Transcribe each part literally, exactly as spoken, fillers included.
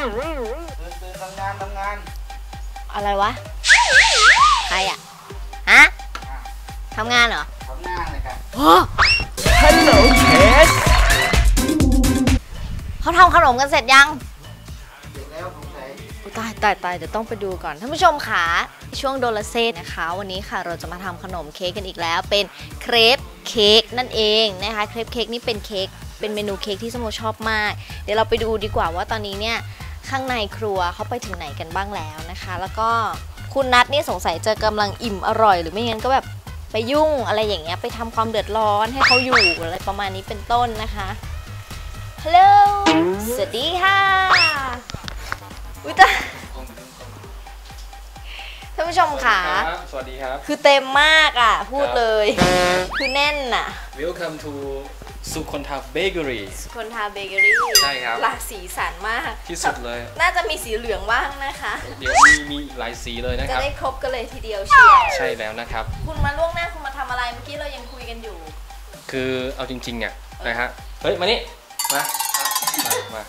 ตื่นทำงานทำงานอะไรวะใครอะฮะทำงานเหรอทำงานเลยครับฮัลโหลเคสเขาทำขนมกันเสร็จยังเสร็จแล้วผมใส่ตายตายตายเดี๋ยวต้องไปดูก่อนท่านผู้ชมค่ะช่วงโดลาเซ่นะคะวันนี้ค่ะเราจะมาทำขนมเค้กกันอีกแล้วเป็นเครปเค้กนั่นเองนะคะเครปเค้กนี่เป็นเค้กเป็นเมนูเค้กที่สโมชอบมากเดี๋ยวเราไปดูดีกว่าว่าตอนนี้เนี่ยข้างในครัวเขาไปถึงไหนกันบ้างแล้วนะคะแล้วก็คุณนัทนี่สงสัยจะกำลังอิ่มอร่อยหรือไม่งั้นก็แบบไปยุ่งอะไรอย่างเงี้ยไปทำความเดือดร้อนให้เขาอยู่อะไรประมาณนี้เป็นต้นนะคะฮัลโหลสวัสดีค่ะอุ๊ยตาท่านผู้ชมค่ะสวัสดีครับคือเต็มมากอ่ะพูดเลยคือแน่นอ่ะ Welcome to สุคนทาเบเกอรี่สุคนทาเบเกอรี่ใช่ครับหลากสีสันมากที่สุดเลยน่าจะมีสีเหลืองบ้างนะคะเดี๋ยวมีมีหลายสีเลยนะครับจะได้ครบกันเลยทีเดียวเชียวใช่แล้วนะครับคุณมาล่วงหน้าคุณมาทำอะไรเมื่อกี้เรายังคุยกันอยู่คือเอาจริงๆอ่ะนะฮะเฮ้ยมานี่มามา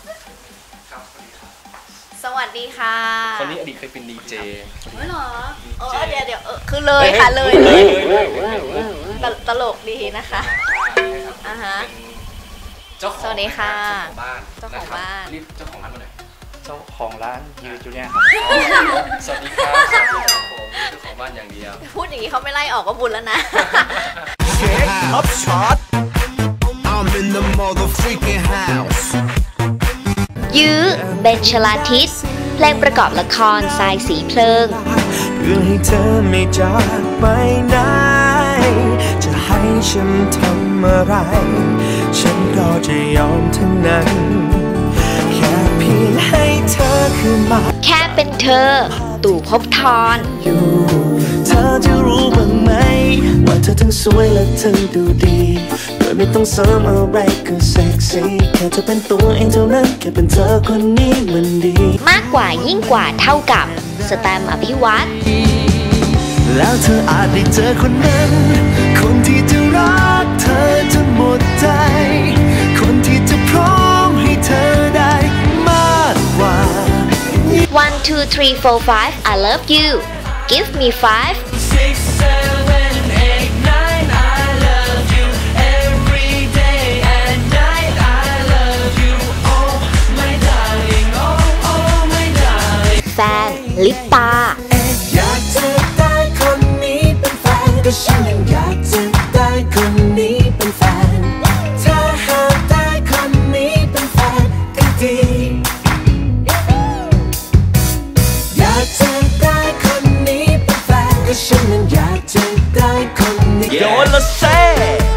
สวัสดีค่ะคนนี้อดีตเคยเป็นดีเจไม่หรอเออเดี๋ยวเดี๋ยวคือเลยค่ะเลยเลยตลกดีนะคะอ่าฮะเจ้าของสวัสดีค่ะบ้านเจ้าของบ้านรีบเจ้าของร้านมาหน่อยเจ้าของร้านยูจูเนียครับสวัสดีครับสวัสดีครับผมเจ้าของบ้านอย่างเดียวพูดอย่างนี้เขาไม่ไล่ออกก็บุญแล้วนะเค้กท็อปช็อต I'm in the mother freaking house ยื้อเบนชลาทิศเพลงประกอบละครทรายสีเพลิงเพื่อให้เธอไม่จากไปไหนจะให้ฉันทำอะไรฉันก็จะยอมทั้งนั้นแค่เพียงให้เธอคืนมาแค่เป็นเธอตู่ภพธรอยู่เธอจะรู้บ้างไหมว่าเธอทั้งสวยและเธอดูดีโดยไม่ต้องเสริมอะไรก็เซ็กซี่แค่เธอเป็นตัวเองเท่านั้นแค่เป็นเธอคนนี้มันดีมากกว่ายิ่งกว่าเท่ากับสแตมป์อภิวัตรแล้วเธออาจได้เจอคนนั้นคนที่จะรักเธอจนหมดใจคนที่จะพร้อมให้เธอได้มากกว่า one two three four five I love you give me five six seven eight nine I love you every day and night I love you oh my darling oh oh my darling แฟนลิปตาอยากจะได้คนนี้เป็นแฟนก็ฉันยังอยากจะได้คนนี้เป็นแฟนถ้าหากได้คนนี้เป็นแฟนก็ดีอยากจะได้คนนี้เป็นแฟนก็ฉันยังอยากจะได้คนนี้โดนละเซ่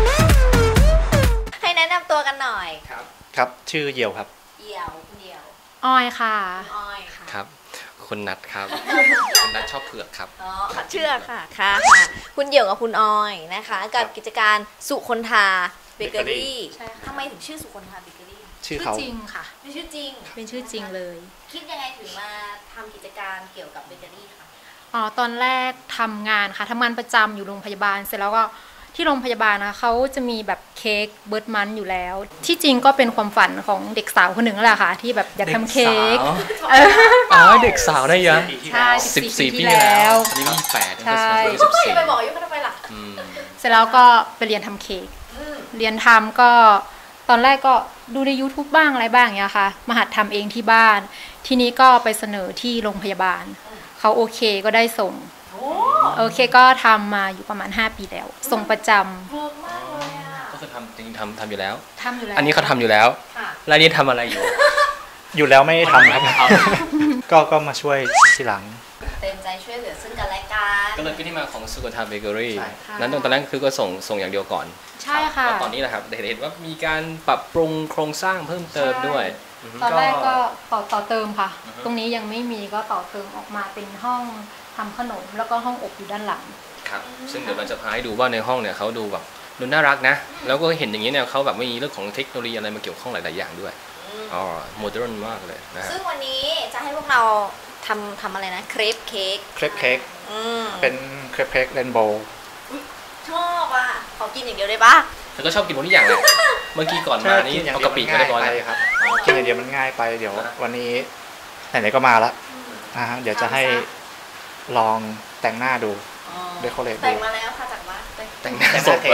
ให้แนะนำตัวกันหน่อยครับครับชื่อเหี่ยวครับเหี่ยวคุณเหี่ยวอ้อยค่ะอ้อยค่ะครับคุณนัทครับคุณนัทชอบเผือกครับอ๋อเชื่อค่ะค่ะคุณเหี่ยวกับคุณอ้อยนะคะกับกิจการสุคนทาเบเกอรี่ทำไมถึงชื่อสุคนทาเบเกอรี่ชื่อเขาจริงค่ะเป็นชื่อจริงเป็นชื่อจริงเลยคิดยังไงถึงมาทำกิจการเกี่ยวกับเบเกอรี่คะอ๋อตอนแรกทำงานค่ะทำงานประจำอยู่โรงพยาบาลเสร็จแล้วก็ที่โรงพยาบาลนะเขาจะมีแบบเค้กเบิร์ดมันอยู่แล้วที่จริงก็เป็นความฝันของเด็กสาวคนหนึ่งแหละค่ะที่แบบอยากทำเค้กอ๋อเด็กสาวได้ยังใช่สิบสี่ปีแล้วตอนนี้มีแปดใช่ไปบอกอายุเขาทำไมล่ะเสร็จแล้วก็ไปเรียนทำเค้กเรียนทำก็ตอนแรกก็ดูใน ยูทูบ บ้างอะไรบ้างอย่างเงี้ยค่ะมาหัดทำเองที่บ้านทีนี้ก็ไปเสนอที่โรงพยาบาลเขาโอเคก็ได้ส่งโอเคก็ทำมาอยู่ประมาณห้าปีแล้วส่งประจำก็คือทำจริงทำทำอยู่แล้วทำอยู่แล้วอันนี้เขาทำอยู่แล้วแล้วนี่ทำอะไรอยู่อยู่แล้วไม่ทำครับก็ก็มาช่วยทีหลังเต็มใจช่วยเหลือซึ่งกันและกันก็เลยเป็นที่มาของสุคนทาเบเกอรี่นั้นตอนนั้นคือก็ส่งส่งอย่างเดียวก่อนใช่ค่ะตอนนี้แหละครับเห็นว่ามีการปรับปรุงโครงสร้างเพิ่มเติมด้วยตอนแรกก็ต่อต่อเติมค่ะตรงนี้ยังไม่มีก็ต่อเติมออกมาเป็นห้องทำขนมแล้วก็ห้องอบอยู่ด้านหลังครับซึ่งเดี๋ยวเราจะพาให้ดูว่าในห้องเนี่ยเขาดูแบบดูน่ารักนะแล้วก็เห็นอย่างนี้เนี่ยเขาแบบไม่มีเรื่องของเทคโนโลยีอะไรมาเกี่ยวข้องหลายๆอย่างด้วยอ๋อโมเดิร์นมากเลยนะซึ่งวันนี้จะให้พวกเราทำทำอะไรนะเครปเค้กเครปเค้กเป็นเครปเค้กเรนโบว์ชอบอ่ะขอกินอย่างเดียวได้ปะเธอก็ชอบกินหมดทุกอย่างเลยเมื่อกี้ก่อนมานี่เอากะปิมาได้ร้อยเลยครับกินอย่างเดียวมันง่ายไปเดี๋ยววันนี้ไหนๆก็มาแล้วนะฮะเดี๋ยวจะให้ลองแต่งหน้าดูเดคอเรทดูแต่งมาแล้วค่ะจากบ้านแต่งหน้าศพ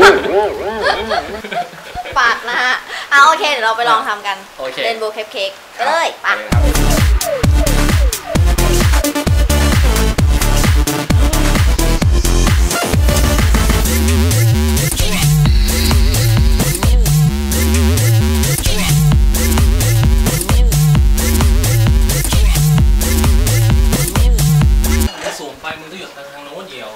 ปากนะฮะเอาโอเคเดี๋ยวเราไปลองทำกันโอเคเรนโบว์เค้กเค้กไปเลยไปสูงไปมึงต้องอยู่ทางโน้นเดียว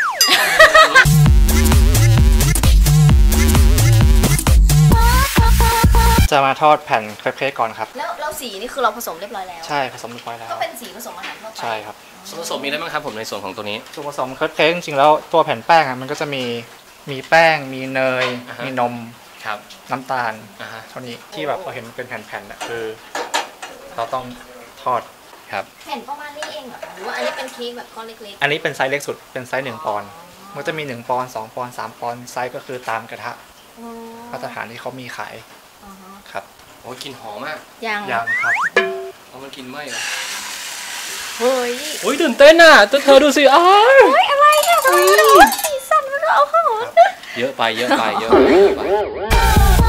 จะมาทอดแผ่นเครปเค้กก่อนครับแล้วเราสีนี่คือเราผสมเรียบร้อยแล้วใช่ผสมเรียบร้อยแล้วก็เป็นสีผสมอาหารทั่วไปใช่ครับส่วนผสมมีอะไรบ้างครับผมในส่วนของตัวนี้ส่วนผสมเครปเค้กจริงๆแล้วตัวแผ่นแป้งอ่ะมันก็จะมีมีแป้ง มีเนยอ่าฮะมีนมครับน้ำตาลอ่าฮะเท่านี้ที่แบบเราเห็นเป็นแผ่นๆอ่ะคือ เราต้องทอดครับแผ่นประมาณนี้เองเหรอหรือว่าอันนี้เป็นเค้กแบบก้อนเล็กอันนี้เป็นไซส์เล็กสุดเป็นไซส์หนึ่งปอนด์มันจะมีหนึ่งปอนด์สองปอนด์สามปอนด์ไซส์ก็คือตามกระทะๆอ๋อมาตรฐานที่เขามีขายอ่าฮะครับโอ้ยกลินหอมมากยังยังครับเอามันกินไหมเหรอเฮ้ยโอ้ยตื่นเต้นอ่ะตัวเธอดูสิอ้าวเฮ้ยอะไรอะทำไมมันว่าสีสันมันเอาเข้าหมดเยอะไปเยอะไปเยอะไปเยอะไป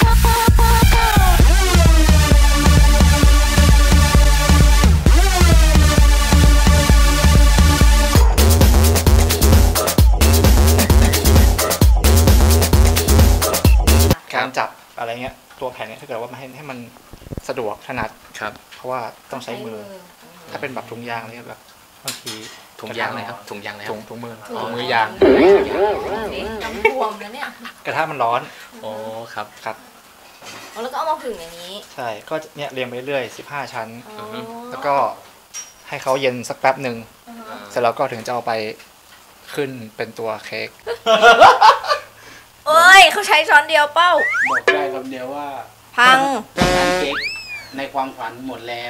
การจับอะไรเงี้ยตัวแผ่นเนี้ยถ้าเกิดว่ามาให้ให้มันสะดวกถนัดครับเพราะว่าต้องใช้มือ ถ้าเป็นแบบถุงยางเนี่ยแบบบางทีถุงยางอะไรครับถุงยางอะไรคถุรับงถุงมือถุถุงงมืมืออยางกำพวมนะเนี่ยกระทะมันร้อนโอ้ครับครับอ๋อแล้วก็เอามาผึ่งอย่างนี้ใช่ก็เนี่ยเรียงไปเรื่อยสิบห้าชั้นอ๋อแล้วก็ให้เขาเย็นสักแป๊บหนึ่งเสร็จแล้วก็ถึงจะเอาไปขึ้นเป็นตัวเค้กเอ้ยเขาใช้ช้อนเดียวเป้าบอกได้คำเดียวว่าพังงานเค้กในความฝันหมดแล้ว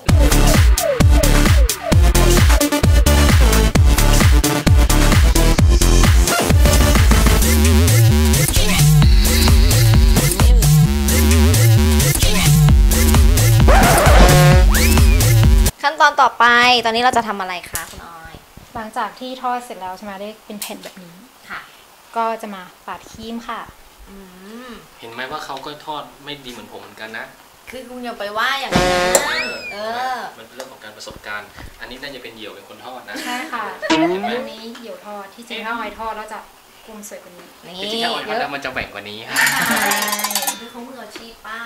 ขั้นตอนต่อไปตอนนี้เราจะทำอะไรคะคุณออยหลังจากที่ทอดเสร็จแล้วใช่ไหมได้เป็นแผ่นแบบนี้ค่ะก็จะมาปาดครีมค่ะอืมเห็นไหมว่าเขาก็ทอดไม่ดีเหมือนผมเหมือนกันนะคือคุณอย่าไปว่าอย่างนั้นเออมันเป็นเรื่องของการประสบการณ์ อันนี้น่าจะเป็นเหยี่ยวเป็นคนทอดนะใช่ค่ะเห็นไหมอันนี้เดี่ยวทอดที่จริงถ้าออยทอดแล้วจะกลมสวยกว่านี้นี่จริงๆถ้าออยทอดแล้วมันจะแหว่งกว่านี้ครับใช่คือเขามืออาชีพป้า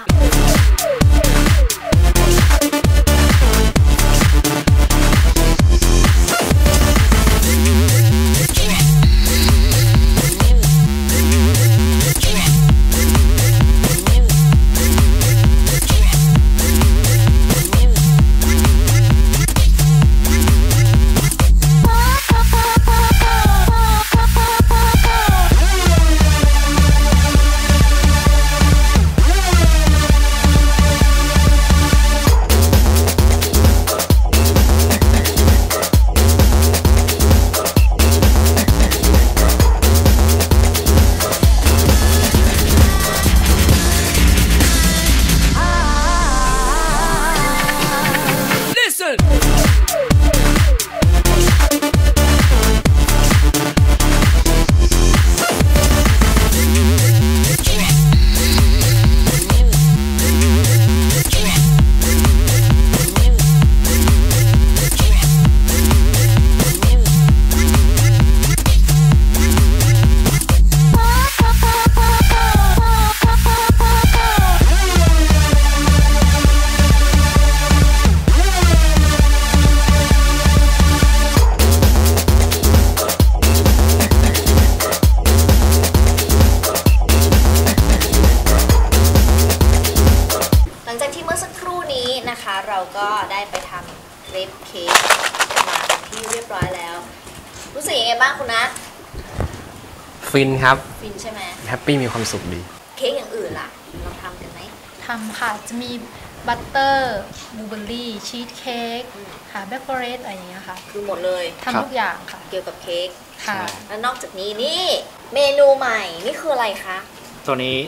หลังจากที่เมื่อสักครู่นี้นะคะ เราก็ได้ไปทำเครปเค้กมาเป็นที่เรียบร้อยแล้ว รู้สึกยังไงบ้างคุณนัทฟินครับฟินใช่ไหมแฮปปี้มีความสุขดีเค้กอย่างอื่นล่ะเราทำกันไหมทำค่ะ จะมีบัตเตอร์บลูเบอร์รี่ชีสเค้กค่ะแบล็คฟอเรสต์อะไรอย่างเงี้ยค่ะคือหมดเลยทำทุกอย่างค่ะเกี่ยวกับเค้กค่ะแล้วนอกจากนี้นี่เมนูใหม่นี่คืออะไรคะตัวนี้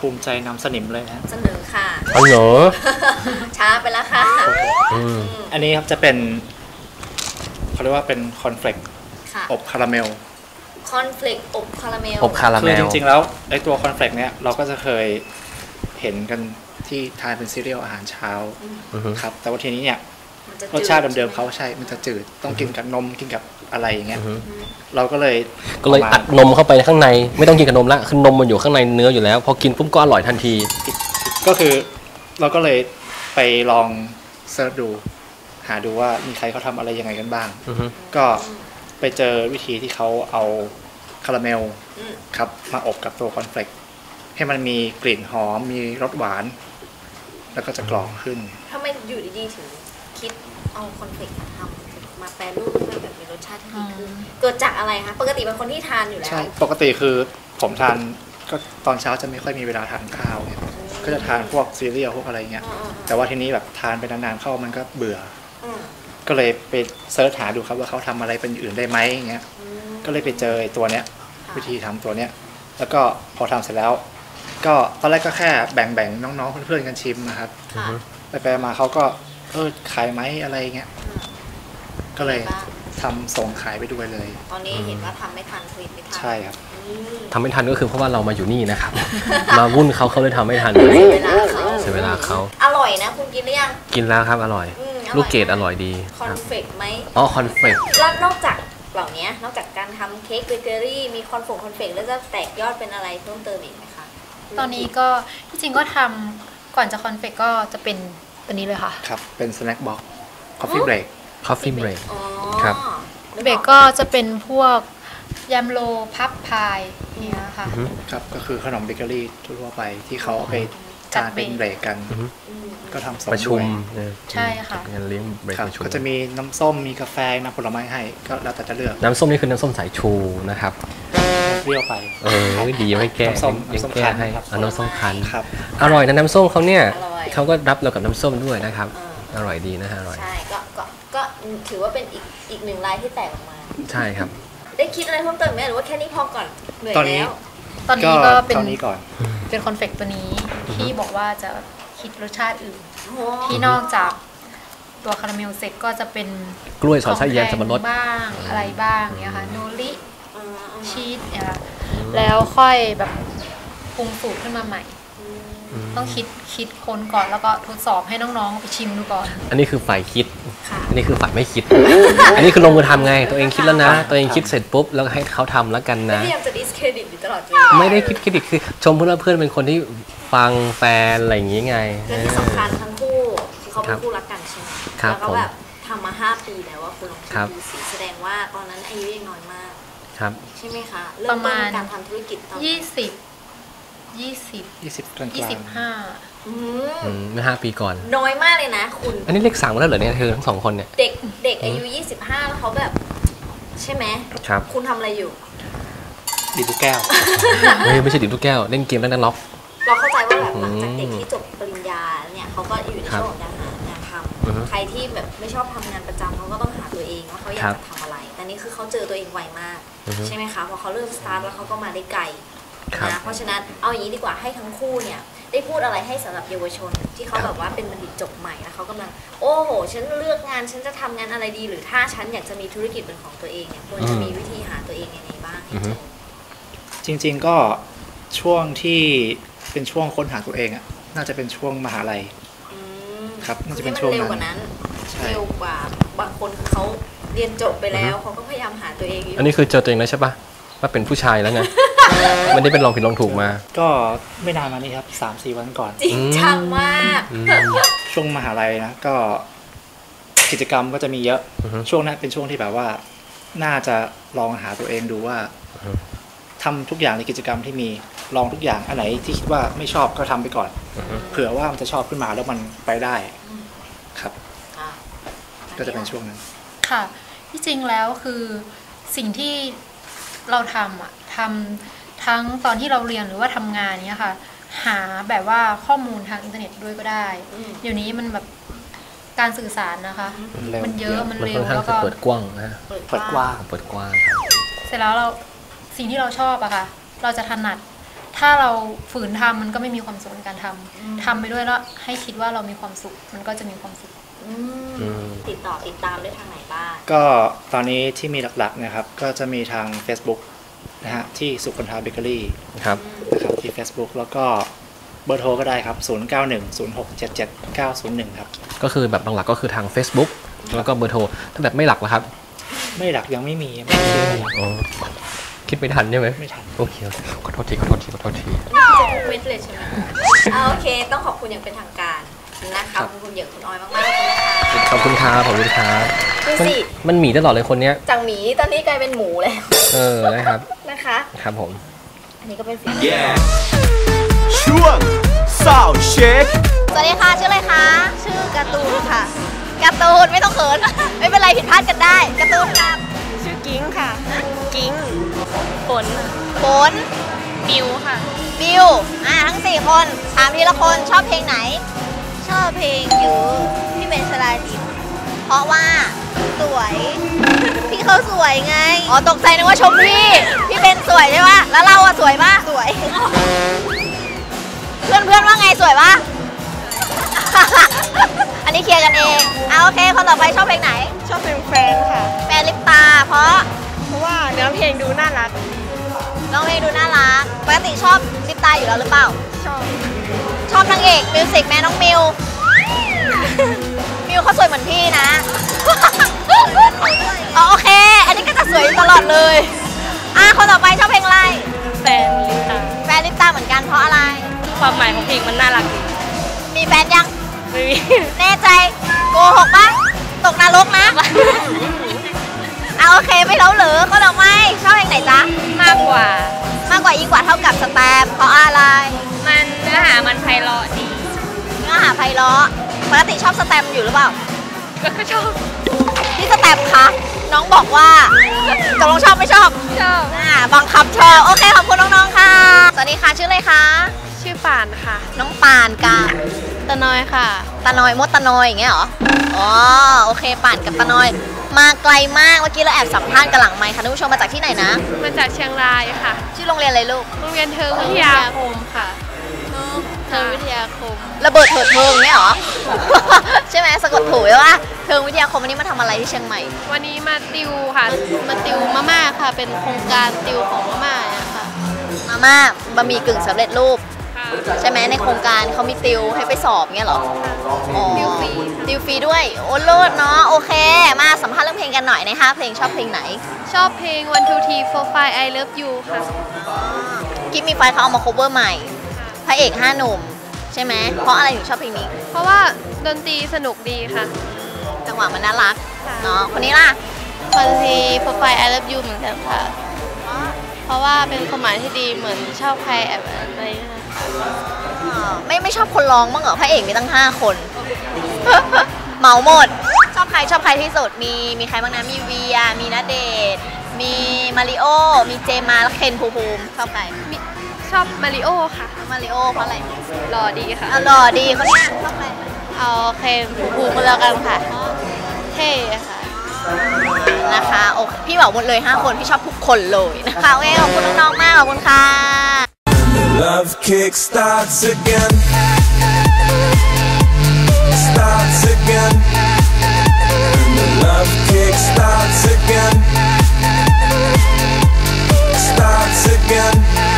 ภูมิใจนำสนิมเลยนะเสนอค่ะอ๋อเหรอช้าไปแล้วค่ะอืมอันนี้ครับจะเป็นเขาเรียกว่าเป็นคอนเฟลกค่ะอบคาราเมลคอนเฟลกอบคาราเมลอบคาราเมคือลจริงๆแล้วไอตัวคอนเฟลกเนี้ยเราก็จะเคยเห็นกันที่ทานเป็นซีเรียลอาหารเช้าอือฮึครับแต่ว่าทีนี้เนี่ยมันจะรสชาติจืเดิมๆเขาใช่ไหใช่มันจะจืดต้องกินกับนมกินกับอะไรอย่างเงี้ยอือฮึเราก็เลยก็เลยอัดนมเข้าไปข้างในไม่ต้องกินกับนมละคือนมมันอยู่ข้างในเนื้ออยู่แล้วพอกินปุ๊บก็อร่อยทันทีก็คือเราก็เลยไปลองเสิร์ชดู หาดูว่ามีใครเขาทำอะไรยังไงกันบ้างอือฮึก็ไปเจอวิธีที่เขาเอาคาราเมลอืมครับมาอบกับตัวคอนเฟลกให้มันมีกลิ่นหอมมีรสหวาน แล้วก็จะกรอบขึ้นทำไมอยู่ดีๆถึงคิดเอาคอนเฟลกมาทำมาแปรรูปให้มันแบบมีรสชาติที่ดีขึ้นเกิดจากอะไรคะปกติเป็นคนที่ทานอยู่แล้วใช่ ปกติคือผมทานก็ตอนเช้าจะไม่ค่อยมีเวลาทานข้าวเนี่ยก็จะทานพวกซีเรียลพวกอะไรเงี้ยอืมๆๆแต่ว่าทีนี้แบบทานไปนานๆเข้ามันก็เบื่ออืมก็เลยไปเซิร์ชหาดูครับว่าเขาทำอะไรเป็นอื่นได้ไหมอย่างเงี้ยอืมก็เลยไปเจอไอ้ตัวเนี้ยค่ะวิธีทำตัวเนี้ย แล้วก็พอทำเสร็จแล้ว ก็ตอนแรกก็แค่แบ่งๆน้องๆเพื่อนๆกันชิมนะครับค่ะไปไปมาเขาก็เออขายไหมอะไรเงี้ย ก็เลยบ้างทำส่งขายไปด้วยเลยตอนนี้เห็นว่าทำไม่ทันผลิตไม่ทันใช่ครับอืมทำไม่ทันก็คือเพราะว่าเรามาอยู่นี่นะครับ มาวุ่นเขาเขาเลยทำไม่ทันเสียเวลาเขาเสียเวลาเขาอร่อยนะคุณกินหรือยังกินแล้วครับอร่อยอืมอร่อยลูกเกดอร่อยดีคอนครับเฟกไหมอ๋อคอนเฟลกแล้วนอกจากเหล่านี้นอกจากการทำเค้กเบเกอรี่มีคอนฟงคอนเฟกแล้วจะแตกยอดเป็นอะไรเพิ่มเติมอีกไหมคะตอนนี้ก็ที่จริงก็ทำก่อนจะคอนเฟกก็จะเป็นตัวนี้เลยค่ะครับ เป็นสแน็คบ็อกคอฟฟี่เบรกคอฟฟี่เบรกอ๋อครับเบรกก็จะเป็นพวกยำโลพับพายอย่างเนี่ยค่ะครับ ก็คือขนมเบเกอรี่ทั่วๆไปที่เขาเอาไปจัดทานเป็นเบรกเบรกกันอือฮึอืมก็ทำส่งประชุมด้วยเนี่ยใช่ค่ะงานเลี้ยงเบรกครับประชุมก็จะมีน้ำส้มมีกาแฟน้ำผลไม้ให้ก็แล้วแต่จะเลือกน้ำส้มนี่คือน้ำส้มสายชูนะครับเปรี้ยวไปเออดีไม่แก้น้ำส้มยังน้ำส้มแก้คั้นให้ครับเอาน้ำส้มคั้นครับอร่อยนะน้ำส้มเขาเนี่ยอร่อยเขาก็รับเรากับน้ำส้มด้วยนะครับอ่าอร่อยดีนะฮะอร่อยใช่ก็ก็ก็ถือว่าเป็นอีกอีกหนึ่งลายที่แตกออกมาใช่ครับได้คิดอะไรเพิ่มเติมไหมหรือว่าแค่นี้พอก่อนเหนื่อยตอนนี้แล้วตอนนี้ก็เป็นเท่านี้ก่อนเป็นคอนเฟกตัวนี้ที่บอกว่าจะคิดรสชาติอื่นโอ้โหที่นอกจากตัวคาราเมลเซ็ตก็จะเป็นกล้วยสอดไส้แยมสับปะรดของแห้งบ้างอะไรบ้างเนี่ยค่ะโนริอืมอืมชีสเนี่ยค่ะแล้วค่อยแบบปรุงสูตรขึ้นมาใหม่ ต้องคิดคิดค้นก่อนแล้วก็ทดสอบให้น้องๆไปชิมดูก่อนอันนี้คือฝ่ายคิดค่ะอันนี้คือฝ่ายไม่คิด อันนี้คือลงมือทำไง ตัวเองคิดแล้วนะ ตัวเองคิดเสร็จปุ๊บแล้วให้เขาทำแล้วกันไม่นะพยายามจะดิสเครดิตอยู่ตลอดเวลาไม่ได้คิดเครดิตคือชมเพื่อนเพื่อนเป็นคนที่ฟังแฟนอะไรอย่างงี้ไงและที่สำคัญทั้งคู่คือเขาเป็นคู่รักกันใช่ไหมครับแล้วก็แบบทำมาห้าปีแล้วว่าคุณลองคิดครับดูสิแสดงว่าตอนนั้นอายุยังน้อยมากครับใช่ไหมคะปเริ่ระมมาต้ณนการทำธุรกิจตอนยี่สิบยี่สิบยี่สิบกลางๆยี่สิบห้าอืมอืมเมื่อห้าปีก่อนน้อยมากเลยนะคุณอันนี้เลขสามแล้วเหรอเนี่ยเธอทั้งสองคนเนี่ยเด็กเด็กอายุยี่สิบห้าแล้วเขาแบบ ใช่ไหมครับคุณทำอะไรอยู่ดีดูแก้วเฮ้ยไม่ใช่ดิบลูกแก้วเล่นเกมแล้วนั่นล็อกเราเข้าใจว่าแบบอืมหลังจากเด็กที่จบปริญญาเนี่ยเขาก็อยู่ในครับช่วงของการหางานทอือฮึำใครที่แบบไม่ชอบทำงานประจำเขาก็ต้องหาตัวเองว่าเขาอยาครักบจะทำอะไร แต่นี่คือเขาเจอตัวเองไวมากอือฮึใช่ไหมคะพอเขาเริ่มสตาร์ทแล้วเขาก็มาได้ไกลครับนะเพราะฉะนั้นเอาอย่างนี้ดีกว่าให้ทั้งคู่เนี่ยได้พูดอะไรให้สำหรับเยาวชน ที่เขาครับแบบว่าเป็นบัณฑิตจบใหม่แล้วเขากำลังโอ้โหฉันเลือกงานฉันจะทำงานอะไรดี หรือถ้าฉันอยากจะมีธุรกิจเป็นของตัวเองเนี่ยควรจะมีวิธีหาตัวเองยังไงบ้างให้เจอจริงๆก็ช่วงที่เป็นช่วงค้นหาตัวเองอ่ะน่าจะเป็นช่วงมหาลัยอืมครับน่าจะให้เป็นมันช่วงเร็วนั้นกว่านั้นใช่เร็วกว่าบางคนคือเขาเรียนจบไปแล้วเขาก็พยายามหาตัวเองอยู่อันนี้คือเจอตัวเองแล้วใช่ปะว่าเป็นผู้ชายแล้วไง ไม่ได้เป็นลองผิดลองถูกมาก็ไม่นานมานี้ครับสามสี่วันก่อนจริงจังมากอืมช่วงมหาลัยนะก็กิจกรรมก็จะมีเยอะอือฮึช่วงนั้นเป็นช่วงที่แบบว่า น่าจะลองหาตัวเองดูว่าอือฮึทำทุกอย่างในกิจกรรมที่มีลองทุกอย่างอันไหนที่คิดว่าไม่ชอบก็ทำไปก่อนอือฮึเผื่อว่ามันจะชอบขึ้นมาแล้วมันไปได้ครับอ่ะก็จะเป็นช่วงนั้นค่ะ ที่จริงแล้วคือสิ่งที่เราทำอะทำทั้งตอนที่เราเรียนหรือว่าทำงานเนี้ยค่ะ หาแบบว่าข้อมูลทางอินเทอร์เน็ตด้วยก็ได้อืมเดี๋ยวนี้มันแบบการสื่อสารนะคะมันเร็วมันเยอะมันมันเร็ค่วอนข้างแล้วจะก็เปิดกว้างนะฮะเปิดเปิดกว้างเปิดกว้างครับเสร็จแล้วเราสิ่งที่เราชอบอะค่ะ เราจะถนัดทถ้าเราฝืนทำมันก็ไม่มีความสุขในการทำทำไปด้วยแล้วให้คิดว่าเรามีความสุขมันก็จะมีความสุขติดต่อติดตามได้ทางไหนบ้างก็ตอนนี้ที่มีหลักๆนะครับก็จะมีทาง Facebook นะฮะที่สุคนทาเบเกอรี่ครับนะครับที่ Facebook แล้วก็เบอร์โทรก็ได้ครับศูนย์ เก้า หนึ่ง ศูนย์ หก เจ็ด เจ็ด เก้า ศูนย์ หนึ่งครับก็คือแบบหลักๆก็คือทาง Facebook แล้วก็เบอร์โทรถ้าแบบไม่หลักล่ะครับไม่หลักยังไม่มียังไม่มีอ๋อคิดไม่ทันใช่ไหมไม่ทันโอเคขอโทษทีขอโทษทีขอโทษทีจะทุกเม็ดเลยใช่ไหมโอเคต้องขอบคุณอย่างเป็นทางการนะคะขอบคุณอย่างคุณออยมากๆเลยนะคะขอบคุณครับขอบคุณครับดูสิมันหมีตลอดเลยคนเนี้ยจากหมีตอนนี้กลายเป็นหมูแล้วเออนะครับนะคะครับผมอันนี้ก็เป็นฝีมือช่วงสาวเช็คสวัสดีค่ะชื่ออะไรคะชื่อการ์ตูนค่ะการ์ตูนไม่ต้องเขินไม่เป็นไรผิดพลาดกันได้การ์ตูนครับชื่อกิ้งค่ะกิ้งฝนฝนบิวค่ะบิวอ่าทั้งสี่คนถามทีละคนชอบเพลงไหนชอบเพลงยูพี่เบนชลาทิพย์เพราะว่าสวยพี่เขาสวยไงอ๋อตกใจนึกว่าชมพี่พี่เบนสวยใช่ปะแล้วเราอะสวยปะสวยเพื่อนเพื่อนว่าไงสวยปะอันนี้เคลียร์กันเองเอาโอเคคนต่อไปชอบเพลงไหนชอบเพลงแฟนค่ะแฟนลิปตาเพราะเพราะว่าเนื้อเพลงดูน่ารักน้องเพลงดูน่ารักปกติชอบลิปตาอยู่แล้วหรือเปล่าชอบชอบนางเอกมิวสิกแม่น้องมิวมิวเขาสวยเหมือนพี่นะอ๋อโอเคอันนี้ก็จะสวยตลอดเลยอ่ะคนต่อไปชอบเพลงอะไรแฟนลิปตาแฟนลิปตาเหมือนกันเพราะอะไรความหมายของเพลงมันน่ารักดีมีแฟนยังไม่มีแน่ใจโกหกปะตกนรกนะเอาโอเคไม่เล่าเหรอเขาดอกไม้ชอบเพลงไหนจ๊ะมากกว่ามากกว่ายิ่งกว่าเท่ากับสแตมเพราะอะไรมันเนื้อหามันไพเราะดีเนื้อหาไพเราะปกติชอบสแตมอยู่หรือเปล่าก็ชอบพี่สแตมคะน้องบอกว่าตกลงชอบไม่ชอบชอบอ่าบังคับชอบโอเคขอบคุณน้องๆค่ะสวัสดีค่ะชื่ออะไรคะชื่อป่านค่ะน้องป่านกับตะนอยค่ะตะนอยมดตะนอยอย่างเงี้ยเหรออ๋อโอเคป่านกับตะนอยมาไกลมากเมื่อกี้เราแอบสัมภาษณ์กันหลังไมค์ค่ะท่านผู้ชมมาจากที่ไหนนะมาจากเชียงรายค่ะชื่อโรงเรียนอะไรลูกโรงเรียนเทิงวิทยาคมค่ะเทิงวิทยาคมระเบิดเถิดเทิงเนี่ยเหรอ ใช่ไหมสะกดถูกไหมว่าเทิงวิทยาคมวันนี้มาทำอะไรที่เชียงใหม่วันนี้มาติวค่ะมาติวมาม่าค่ะเป็นโครงการติวของมาม่าค่ะมาม่าบะหมี่กึ่งสำเร็จรูปใช่ไหมในโครงการเขามีติวให้ไปสอบเงี้ยเหรอติวฟรีติวฟรีด้วยโอ้โลดเนาะโอเคมาสัมภาษณ์เรื่องเพลงกันหน่อยนะคะเพลงชอบเพลงไหนชอบเพลง one two three four five I love you ค่ะกิ๊บมีไฟเขาเอามา cover ใหม่พระเอกห้าหนุ่มใช่ไหมเพราะอะไรถึงชอบเพลงนี้เพราะว่าดนตรีสนุกดีค่ะจังหวะมันน่ารักเนาะคนนี้ล่ะ one two three four five I love you เหมือนกันค่ะเพราะว่าเป็นความหมายที่ดีเหมือนชอบใครแบบอะไรไม่ไม่ชอบคนร้องบ้างเหรอพระเอกมีตั้งห้าคนเหมาหมดชอบใครชอบใครที่สุดมีมีใครบ้างนะมีเวียมีณเดชน์มีมาริโอมีเจมาและเคนภูมิภูมิชอบใครชอบมาริโอค่ะมาริโอเพราะอะไรหล่อดีค่ะหล่อดีคนนี้ชอบใครเอาเคนภูมิภูมิมาแล้วกันค่ะเท่ค่ะนะคะโอเคพี่บอกหมดเลยห้าคนพี่ชอบทุกคนเลยนะคะโอเคขอบคุณน้องๆมากขอบคุณค่ะ Love kick starts again starts again and the love kick starts again starts again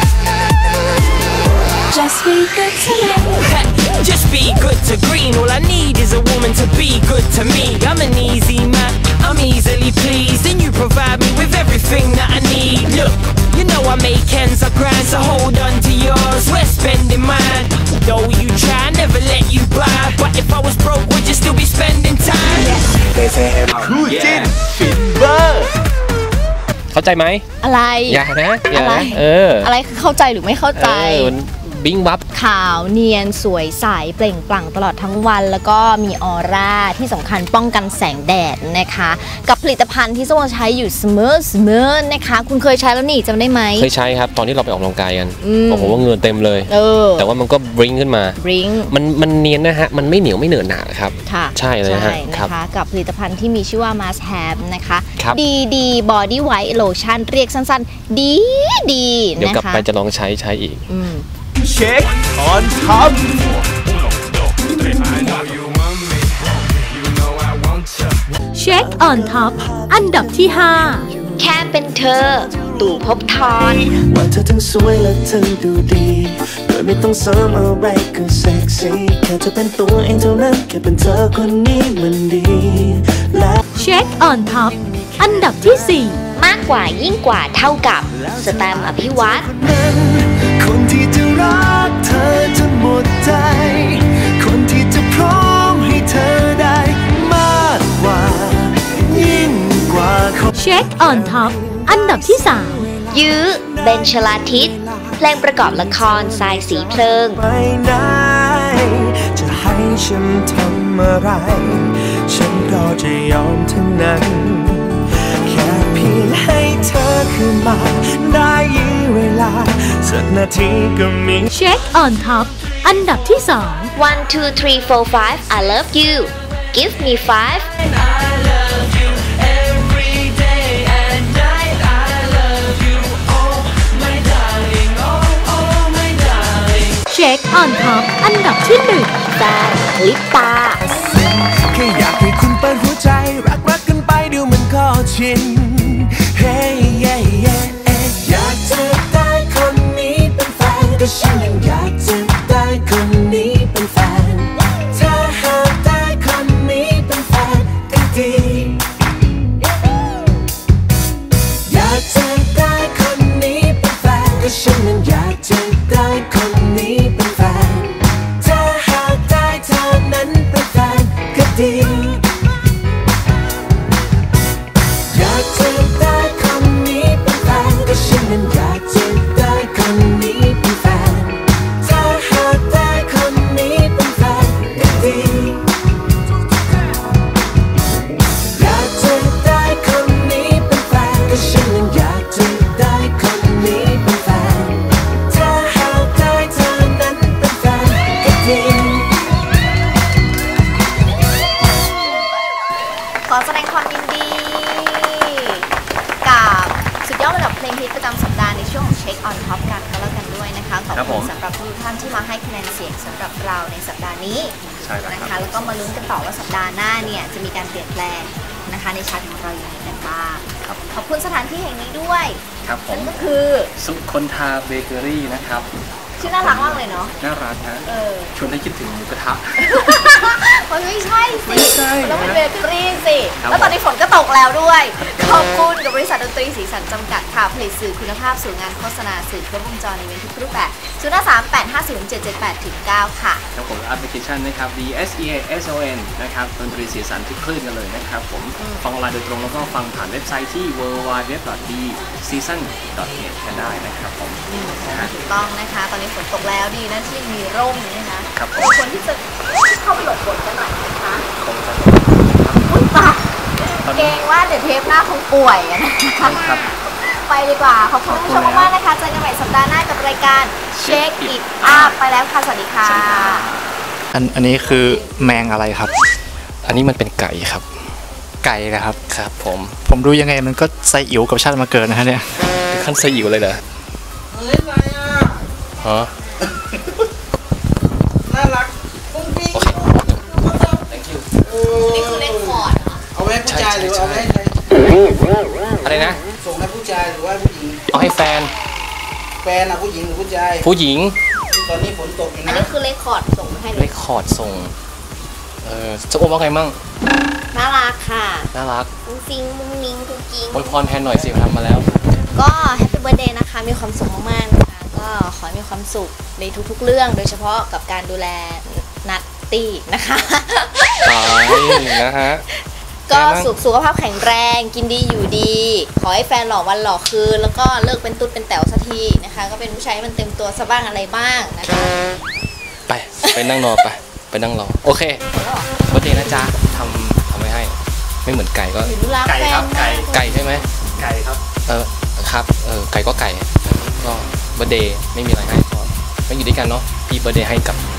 Just be good to me Just be good to green All I need is a woman to be good to me I'm an easy man I'm easily pleased and you provide me with everything that I need Look You know I make ends up grand, so hold on to yours. We're spending mine. Though you try, never let you buy. But if I was broke, would you still be spending time? คู่จิ้นฟินเวอร์เข้าใจไหมอะไรอย่านะอย่านะเอออะไรคือเข้าใจหรือไม่เข้าใจบิ้งวับขาวเนียนสวยใสเปล่งปลั่งตลอดทั้งวันแล้วก็มีออร่าที่สำคัญป้องกันแสงแดดนะคะกับผลิตภัณฑ์ที่ส้มใช้อยู่เสมอเสมอนะคะคุณเคยใช้แล้วนี่จำได้ไหมเคยใช้ครับตอนที่เราไปออกกำลังกายกันโอ้โหว่าเงินเต็มเลยเออแต่ว่ามันก็บริ้งขึ้นมาบริ้งมันมันเนียนนะฮะมันไม่เหนียวไม่เหนอะหนาครับใช่เลยฮะนะคะกับผลิตภัณฑ์ที่มีชื่อว่า Must Have นะคะดีดีบอดี้ไวท์โลชั่นเรียกสั้นๆดีดีเดี๋ยวกลับไปจะลองใช้ใช้อีกเช็คออนท็อปเช็คออนท็อปอันดับที่ห้าแค่เป็นเธอตู่ภพทรว่าเธอทั้งสวยและเธอดูดีโดยไม่ต้องเสริมอะไรก็เซ็กซี่แค่เธอเป็นตัวเองเท่านั้นแค่เป็นเธอคนนี้มันดีและเช็คออนท็อปอันดับที่สี่มากกว่ายิ่งกว่าเท่ากับสแตมป์อภิวัตรคนที่จะรักเธอจนหมดใจคนที่จะพร้อมให้เธอได้มากกว่ายิ่งกว่าเช็คออนท็อปอันดับที่สามยื้อเบนชลาทิศเพลงประกอบละครทรายสีเพลิงไม่ไหนจะให้ฉันทำอะไรฉันก็จะยอมทั้งนั้นแค่เพียงให้เธอคืนมาได้ยื้อเวลาสักนาทีก็มีเช็คออนท็อปอันดับที่สอง one two three four five I love you give me five เช็คออนท็อปอันดับที่หนึ่งแฟนลิปตาแค่อยากให้คุณเปิดหัวใจรักรักกันไปเดี๋ยวมันก็ชินเฮ้ยเย่เย่อยากจะได้คนนี้เป็นแฟนก็ฉันยังอยากจะได้คนนี้เป็นแฟนถ้าหากได้คนนี้เป็นแฟนก็ดีอยากจะได้คนนี้เป็นแฟนก็ฉันยังอยากจะได้คนนี้เป็นแฟนถ้าหากได้เธอนั้นเป็นแฟนก็ดีอยากจะได้คนนี้เป็นแฟนก็ฉันนั้นอยากจะได้คนนี้เป็นแฟนถ้าหากได้คนนี้เป็นแฟนก็ดีอยากจะได้คนนี้เป็นแฟนก็ฉันนั้นอยากจะได้คนนี้เป็นแฟนถ้าหากได้เธอนั้นเป็นแฟนก็ดีขอแสดงความยินดีกับสุดยอดระดับเพลงฮิตประจำสัปดาห์ในช่วงของเช็คออนท็อปกันก็แล้วกันด้วยนะคะขอบคุณสำหรับทุกท่านที่มาให้คะแนนเสียงสำหรับเราในสัปดาห์นี้นะคะแล้วก็มาลุ้นกันต่อว่าสัปดาห์หน้าเนี่ยจะมีการเปลี่ยนแปลงนะคะในชาร์ตของเราอย่างไรกันบ้างขอบคุณสถานที่แห่งนี้ด้วยครับผมนั่นก็คือสุคนทาเบเกอรี่นะครับชื่อน่ารักมากเลยเนาะน่ารักนะชวนให้คิดถึงหมูกระทะมันไม่ใช่สิแล้วเป็นเบเกอรี่สิแล้วตอนนี้ฝนก็ตกแล้วด้วยขอบคุณกับบริษัทดนตรีสีสันจำกัดค่ะผลิตสื่อคุณภาพสู่งานโฆษณาสื่อครบวงจรในเวทีทุกรูปแบบศูนย์ ห้า สาม แปด ห้า ศูนย์ เจ็ด เจ็ด แปด เก้า ค่ะแล้วผมแอปพลิเคชันนะครับ D S E A S O N นะครับดนตรีสีสันทุกคลื่นกันเลยนะครับผมฟังออนไลน์โดยตรงแล้วก็ฟังผ่านเว็บไซต์ที่ ดับเบิลยู ดับเบิลยู ดับเบิลยู ดอท ดี ซีซั่น ดอท เน็ต กันได้นะครับผมถูกต้องนะคะตอนนี้ฝนตกแล้วดีนะที่มีร่มนะคะครับคนที่จะเข้าไปหลบฝนกันหน่อยนะคะคงจะอุ้ยตาเกรงว่าเดี๋ยวเทปหน้าคงป่วยนะคะไปดีกว่าขอบคุณผู้ชมมากๆนะคะเจอกันใหม่สัปดาห์หน้ากับรายการ Check It Up ไปแล้วค่ะสวัสดีค่ะอันอันนี้คือแมงอะไรครับอันนี้มันเป็นไก่ครับไก่นะครับครับผมผมดูยังไงมันก็ไซอิ๋วกับชาติมาเกิดนะฮะเนี่ยขั้นไซอิ๋วเลยเหรอเล่นอะไรอ่ะฮะน่ารักปุ้งปิ้ง thank you นี่คือเล่นคอร์ดเอาไว้ผู้ชายหรือเอาไว้ใครอะไรนะส่งให้ผู้ชายหรือว่าผู้หญิงเอาให้แฟนแฟนอะผู้หญิงหรือผู้ชายผู้หญิงตอนนี้ฝนตกอยู่นะอันนี้คือเล่นคอร์ดส่งให้เล่นคอร์ดส่งเออจะอ้วมว่าไงมั่งน่ารักค่ะน่ารักมุ้งฟิงมุ้งนิ้งกุ๊กกิ๊งอวยพรแทนหน่อยสิทำมาแล้วก็แฮปปี้เบิร์ธเดย์นะคะมีความสุขมากๆนะคะก็ขอให้มีความสุขในทุกๆเรื่องโดยเฉพาะกับการดูแลนัตตี้นะคะตายนะฮะก็สุขสุขภาพแข็งแรงกินดีอยู่ดี ขอให้แฟนหล่อวันหล่อคืนแล้วก็เลิกเป็นตุ๊ดเป็นแต๋วสักทีนะคะก็เป็นผู้ชายมันเต็มตัวซะบ้างอะไรบ้างนะคะไปไปนั่งรอไปไปนั่งรอโอเควันเดย์นะจ๊ะทำทำไว้ให้ไม่เหมือนไก่ก็ไก่ครับไก่ไก่ใช่ไหมไก่ครับเออครับเออไก่ก็ไก่ก็วันเดย์ไม่มีอะไรให้ก็ไม่อยู่ด้วยกันเนาะพี่เบอร์เดย์ให้กับ